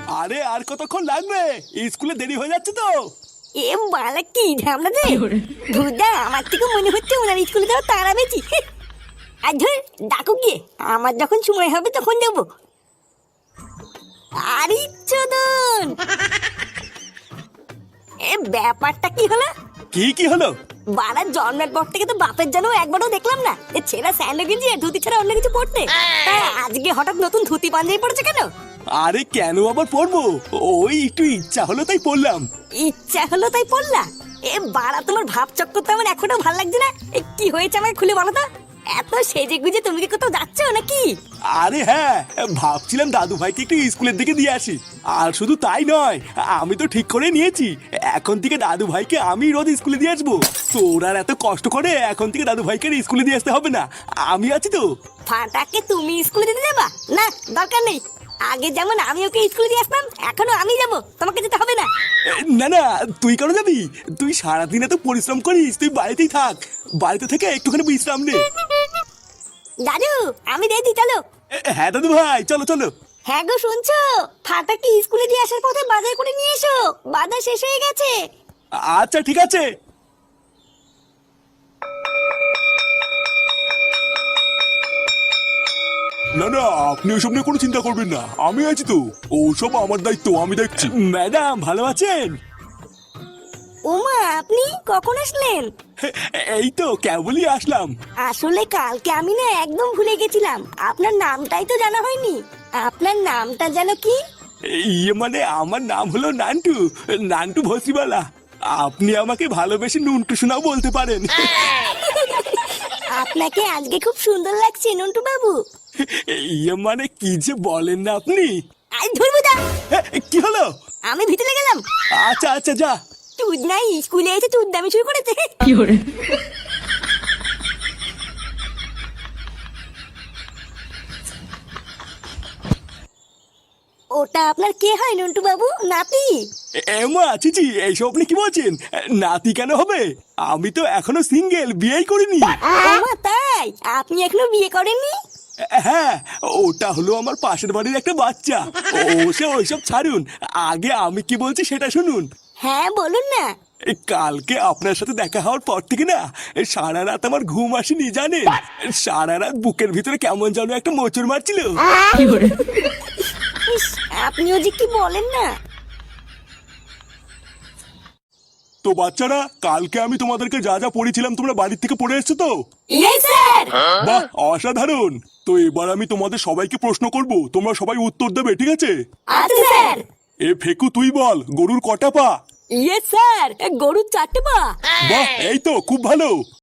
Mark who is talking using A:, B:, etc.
A: আরে আর কতক্ষণ লাগবে? স্কুলে দেরি হয়ে যাচ্ছে তো।
B: এ বালা কি ঝামলা রে ভুদা, আমার থেকে মনে হচ্ছে ওনার স্কুলে যাওয়া তারা বেশি। আর ধর ডাকু গিয়ে, আমার যখন সময় হবে তখন যাবো। আরে চোদন, এ ব্যাপারটা কি হলো?
A: কি হলো?
B: বাড়ার জন্মের পর থেকে তো বাপের জন্য একবারও দেখলাম না এ ছেঁড়া স্যান্ডো গেঞ্জি আর ধুতি ছাড়া অন্য কিছু পড়তে। তাই আজকে হঠাৎ নতুন ধুতি পাঞ্জাবি পড়েছে কেন?
A: আরে কেন আবার পড়বো, ওই একটু ইচ্ছা হলো তাই পড়লাম।
B: ইচ্ছা হলো তাই পড়লা? এ বাড়া, তোমার ভাব চক্কর তো আমার এখনো ভালো লাগছে না। এ কি হয়েছে আমাকে খুলে বলো তো। এত সেজে গুজে তুমি কি কোথাও যাচ্ছ নাকি?
A: আরে হ্যাঁ, ভাবছিলাম দাদু ভাইকে একটু স্কুলের দিকে দিয়ে আসি। আর শুধু তাই নয়, আমি তো ঠিক করে নিয়েছি এখন থেকে দাদু ভাইকে আমি রোজ স্কুলে দিয়ে আসবো। তোর আর এত কষ্ট করে এখন থেকে দাদু ভাইকে স্কুলে দিয়ে আসতে হবে না, আমি আছি তো।
B: ফাটাকে তুমি স্কুলে দিতে যাবা? না, দরকার নেই। আগে যেমন আমি ওকে স্কুলে দিয়ে আসতাম, এখনো আমি যাব, তোমাকে যেতে হবে না।
A: না না, তুই কেন যাবি? তুই সারাদিন এত পরিশ্রম করিস, তুই বাড়িতেই থাক। বাড়িতে থেকে একটুখানি বিশ্রাম নে।
B: দাদু আমি রেডি, চলো।
A: হ্যাঁ দাদু ভাই, চলো চলো।
B: হ্যাঁ গো, শুনছো? ফাটাকে স্কুলে দিয়ে আসার পথে বাজার করে নিয়ে এসো, বাজার শেষ হয়ে গেছে।
A: আচ্ছা ঠিক আছে। না না, আপনি ওসব নিয়ে কোনো চিন্তা করবেন না, আমি আছি তো। ওসব আমার দায়িত্ব, আমি দেখছি। ম্যাডাম ভালো আছেন?
B: ওমা, আপনি কখন আসলেন?
A: এই তো কেবলই আসলাম।
B: আসলে কালকে আমি না একদম ভুলে গেছিলাম, আপনার নামটাই তো জানা হয়নি। আপনার নামটা যেন কি?
A: ইয়ে মানে আমার নাম হলো নান্টু, নান্টু ভসিবালা। আপনি আমাকে ভালোবেসে নুনটু শোনাও বলতে পারেন।
B: আপনাকে আজকে খুব সুন্দর লাগছে নন্টু বাবু।
A: ইয়ে মানে কি যে বলেন না আপনি।
B: আই ধরবো দা।
A: কি হলো?
B: আমি ভিতরে গেলাম।
A: আচ্ছা আচ্ছা যা।
B: তুই নাই স্কুলে এসে তুই দামি শুরু করেছে। ওটা আপনার কে হয় নন্টু বাবু? নাতি?
A: এমা চিচি, এইসব আপনি কি বলছেন? নাতি কেন হবে? আমি তো এখনো সিঙ্গেল, বিয়েই করিনি।
B: ওমা তাই? আপনি এখনো বিয়ে করেননি?
A: হ্যাঁ, ওটা হলো আমার পাশের বাড়ির একটা বাচ্চা। সে ওইসব ছাড়ুন, আগে আমি কি বলছি সেটা শুনুন।
B: হ্যাঁ বলুন না।
A: কালকে আপনার সাথে দেখা হওয়ার পর থেকে না সারা রাত আমার ঘুম আসেনি জানেন। সারা রাত বুকের ভিতরে কেমন যেন একটা মোচড় মারছিল।
B: ইস, আপনিও যে কি বলেন না।
A: তো বাচ্চারা, কালকে আমি তোমাদেরকে যা যা পড়েছিলাম তোমরা বাড়ির থেকে পড়ে এসছো তো?
B: Yes sir.
A: বাহ, অসাধারণ। তো এবার আমি তোমাদের সবাইকে প্রশ্ন করব, তোমরা সবাই উত্তর দেবে, ঠিক আছে?
B: আচ্ছা স্যার।
A: এ ফেকু তুই বল, গরুর কটা পা?
B: ইয়েস স্যার, গরুর 4টে পা।
A: বাহ, এই তো খুব ভালো।